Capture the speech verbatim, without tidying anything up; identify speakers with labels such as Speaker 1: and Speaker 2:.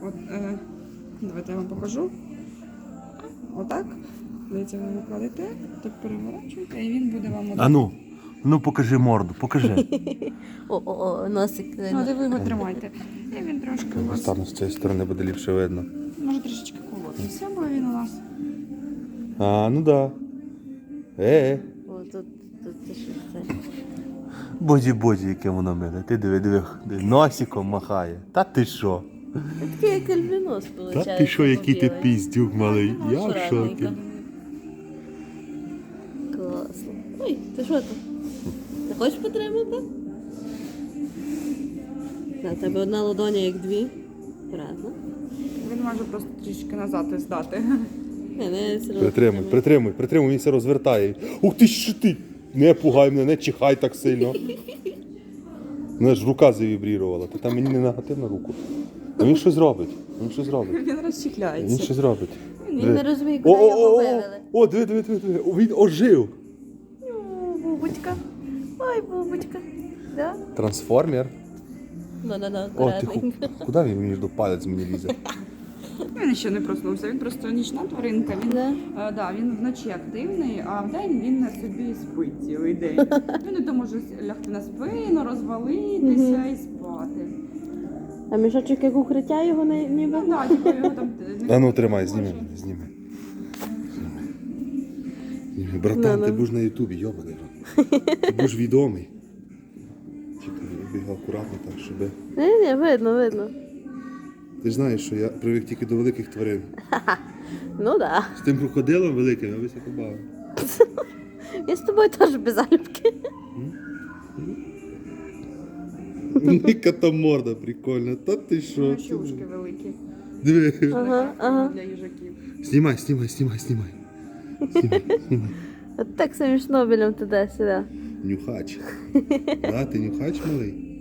Speaker 1: От, е, давайте я вам покажу. Отак. Дивіться, ви його кладете, так переворачуєте, і він буде вам...
Speaker 2: А ну, ну покажи морду, покажи.
Speaker 3: О-о-о, носик.
Speaker 1: Ну, де ви його тримаєте. І він трошки у вас...
Speaker 2: Стану з цієї сторони, буде ліпше видно.
Speaker 1: Може трішечки колотися, бо він у нас...
Speaker 2: А, ну да. Е,
Speaker 3: О, тут, тут ти що це?
Speaker 2: боді-боді, яке воно миле. Ти диви, диви, диви, носиком махає. Та ти що?
Speaker 3: Це такий як альбінос, виходить.
Speaker 2: Та ти що, який ти
Speaker 3: побілий.
Speaker 2: піздюк малий. Я в
Speaker 3: Акуратненько.
Speaker 2: шокі.
Speaker 3: Класно. Ой, ти що там? Не хочеш потримати? На тебе одна ладоня, як дві. Акуратно.
Speaker 1: Він може просто трішки назад здати.
Speaker 3: Не, не, все одно
Speaker 2: Притримуй,
Speaker 3: потримай.
Speaker 2: притримуй, притримуй, він все розвертає. Ух ти що ти! Не пугай мене, не чихай так сильно. Мене ж рука завібрірувала, ти там мені не нагатив на руку. А він щось робить, він щось робить.
Speaker 1: Він
Speaker 2: Він
Speaker 1: розчехляється.
Speaker 2: щось робить.
Speaker 3: Він не розуміє, куди
Speaker 2: О, о,
Speaker 3: його
Speaker 2: о,
Speaker 3: вивели.
Speaker 2: о, о, диви, диви, диви, диви, О, він ожив.
Speaker 3: О, бубочка. Ой, бубочка. Да?
Speaker 2: Трансформер.
Speaker 3: Да-да-да,
Speaker 2: О, ти ху...
Speaker 3: акуратненько.
Speaker 2: Куди він мені ж до палець мені лізе?
Speaker 1: Він ще не проснувся, він просто нічна тваринка. Він,
Speaker 3: Да.
Speaker 1: е, да, він вночі активний, а вдень він на собі спить цілий день. Він не то може лягти на спину, розвалитися і спати.
Speaker 3: А мішочок як укриття його не- ніби?
Speaker 1: Ну так, типу його там... не
Speaker 2: А ну
Speaker 1: може.
Speaker 2: тримай, зніми, зніми. Зніми. Зніми. Братан,
Speaker 3: Ну,
Speaker 2: ти
Speaker 3: ну.
Speaker 2: будеш на ютубі, йобаний. Ти будеш відомий. Чекай, я бігав акуратно так, щоб...
Speaker 3: Ні, ні, видно, видно.
Speaker 2: Ти ж знаєш, що я привик тільки до великих тварин.
Speaker 3: Ну да.
Speaker 2: З тим крокодилом великим я високо бавив.
Speaker 3: Я з тобою теж без залюбки.
Speaker 2: Яка там морда прикольна. Та ти що?
Speaker 1: Ну, ще ушки великі.
Speaker 2: Диви.
Speaker 3: Ага, ага.
Speaker 1: Для їжаків.
Speaker 2: Знімай, знімай, знімай, знімай. Знімай, знімай.
Speaker 3: От так самі шнобелем туди-сюди.
Speaker 2: Нюхач. А, ти нюхач малий?